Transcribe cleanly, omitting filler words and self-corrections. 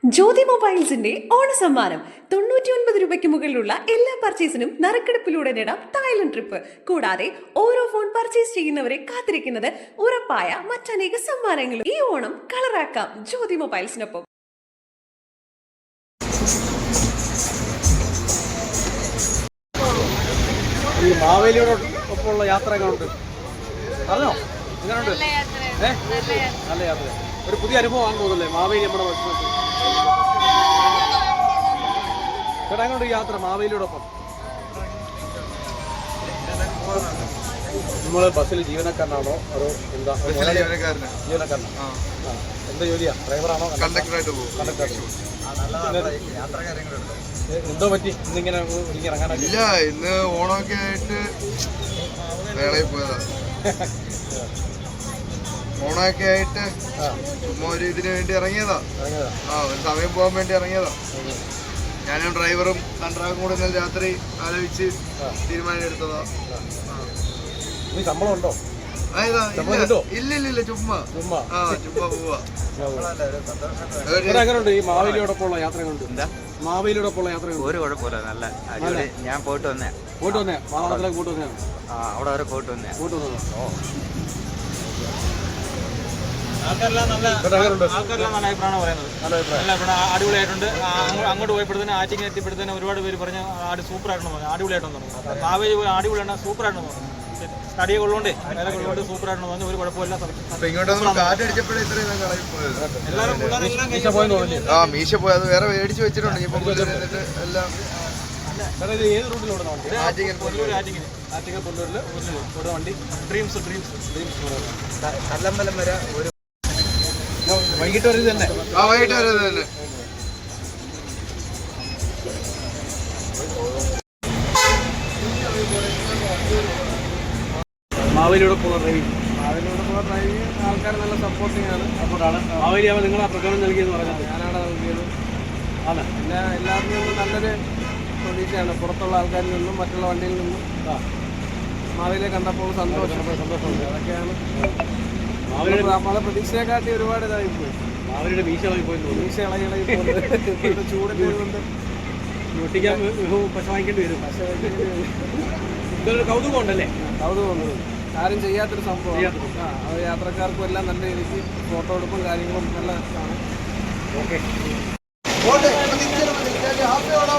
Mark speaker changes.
Speaker 1: ജ്യോതി മൊബൈൽസിന്റെ ഓണസമ്മാനം 99 രൂപയ്ക്ക് മുകളിലുള്ള എല്ലാ പർച്ചേസിനും നറുക്കെടുപ്പിലൂടെ നേടാം തായ്ലൻഡ് ട്രിപ്പ്. കൂടാതെ ഓരോ ഫോൺ പർച്ചേസ് ചെയ്യുന്നവരെ കാത്തിരിക്കുന്നത് ഉറപ്പായ മറ്റനേക സമ്മാനങ്ങളും. ഈ ഓണം കളറാക്കാം ജ്യോതി മൊബൈൽസിനൊപ്പം.
Speaker 2: ഈ മാവേലിയോടൊപ്പമുള്ള യാത്ര എങ്ങനെയുണ്ട്? അറിഞ്ഞോ എങ്ങനെയുണ്ട്? നല്ല യാത്ര. ഒരു പുതിയ അനുഭവമാണ് തോന്നുന്നല്ലേ മാവേലി നമ്മുടെ ഭക്ഷണത്തിൽ? ചേട്ടാ എങ്ങനെയുണ്ട് യാത്ര മാവേലിയോടൊപ്പം? നമ്മൾ ബസ്സിൽ ജീവനക്കാരനാണോ അതോ എന്താ? ജീവനക്കാരനാണ്. എന്താ ജോലിയാ? ഡ്രൈവറാണോ?
Speaker 3: കണ്ടക്ടറായിട്ട് പോകും.
Speaker 2: എന്തോ പറ്റി ഇന്നിങ്ങനെ ഇറങ്ങാനൊക്കെ?
Speaker 3: ഇല്ല, ഇന്ന് ഓണമൊക്കെ ആയിട്ട് വേളയിൽ പോയതാ. ഓണമൊക്കെ ആയിട്ട് ചുമ്മാ ഒരു ഇതിന് വേണ്ടി ഇറങ്ങിയതാ. ഒരു സമയം പോകാൻ വേണ്ടി ഇറങ്ങിയതാ. ഞാനും ഡ്രൈവറും കണ്ടക്ടറും കൂടെ ഇന്നലെ രാത്രി ആലോചിച്ച് തീരുമാനം എടുത്തതാ.
Speaker 2: ശമ്പളം ഉണ്ടോ?
Speaker 3: ഇല്ല, ചുമ്മാ പോവാ.
Speaker 2: എങ്ങനെയുണ്ട് ഈ മാവേലിയോടൊപ്പമുള്ള യാത്ര കൊണ്ട്? മാവേലിയോടൊപ്പമുള്ള യാത്ര
Speaker 4: ഒരു കുഴപ്പമില്ല, നല്ല അടിപൊളി. ഞാൻ പോയിട്ട് വന്നേ
Speaker 2: മാവളത്തിലേക്ക് പോയിട്ട് വന്നേ
Speaker 4: അവിടെ വരെ പോയിട്ട് വന്നേ.
Speaker 5: ആൾക്കാരെല്ലാം നല്ല അഭിപ്രായമാണ് പറയുന്നത്. നല്ല അഭിപ്രായം, അടിപൊളിയായിട്ടുണ്ട്. അങ്ങോട്ട് പോയപ്പോഴത്തേന് ആറ്റിങ് എത്തിയപ്പോഴത്തേന് ഒരുപാട് പേര് പറഞ്ഞ് അടിപൊളിയായിട്ടെന്ന് പറഞ്ഞു. അടിപൊളിയായിട്ടെന്ന് പറഞ്ഞു. മാവേലി പോയി അടിപൊളിയാണ്, സൂപ്പറായിട്ടെന്ന് പറഞ്ഞു. തടിയെ കൊള്ളുകൊണ്ട് വില കൊള്ളുകൊണ്ട് സൂപ്പറായിട്ടെന്ന് പറഞ്ഞു. ഒരു കുഴപ്പമില്ല.
Speaker 3: മീശ പോയത് വേറെ മേടിച്ച് വെച്ചിട്ടുണ്ട്. എല്ലാം
Speaker 2: ഏത് റൂട്ടിലോടുന്ന വണ്ടി? വണ്ടി ഡ്രീംസ് കല്ലമ്പലം വരെ ഒരു വൈകിട്ട് വരെ തന്നെ.
Speaker 3: വൈകിട്ട് വരെ തന്നെ.
Speaker 2: മാവേലിയോടൊപ്പമുള്ള ഡ്രൈവിംഗ് ആൾക്കാർ നല്ല സപ്പോർട്ടിങ് ആണ്. മാവേലി ആവുമ്പോൾ നിങ്ങൾ ആ പ്രകടനം നൽകിയെന്ന് പറഞ്ഞത്? ഞാനാണ് നൽകിയത്. ആണ്. പിന്നെ എല്ലാവരിൽ നിന്നും നല്ലൊരു പ്രതീക്ഷയാണ്. പുറത്തുള്ള ആൾക്കാരിൽ നിന്നും മറ്റുള്ള വണ്ടിയിൽ നിന്നും മാവേലിയെ കണ്ടപ്പോൾ സന്തോഷമുണ്ട്. അതൊക്കെയാണ്. നമ്മളെ പ്രതീക്ഷയെക്കാട്ടി ഒരുപാട് ഇതായി പോയി. മാവേലിയുടെ മീശ ഇളകി പോയി. മീശ ഇളകി പോയി. ചൂടിൻ്റെ കൊണ്ട് ഒട്ടിക്കാൻ പശ വാങ്ങിക്കേണ്ടി വരും. ഇതൊരു കൗതുകം ഉണ്ടല്ലേ? കൗതുകമുണ്ട്. ആരും ചെയ്യാത്തൊരു സംഭവം. അത് യാത്രക്കാർക്കും എല്ലാം നല്ല രീതിക്ക് ഫോട്ടോ എടുപ്പും കാര്യങ്ങളും നല്ല ആണ്. ഓക്കെ.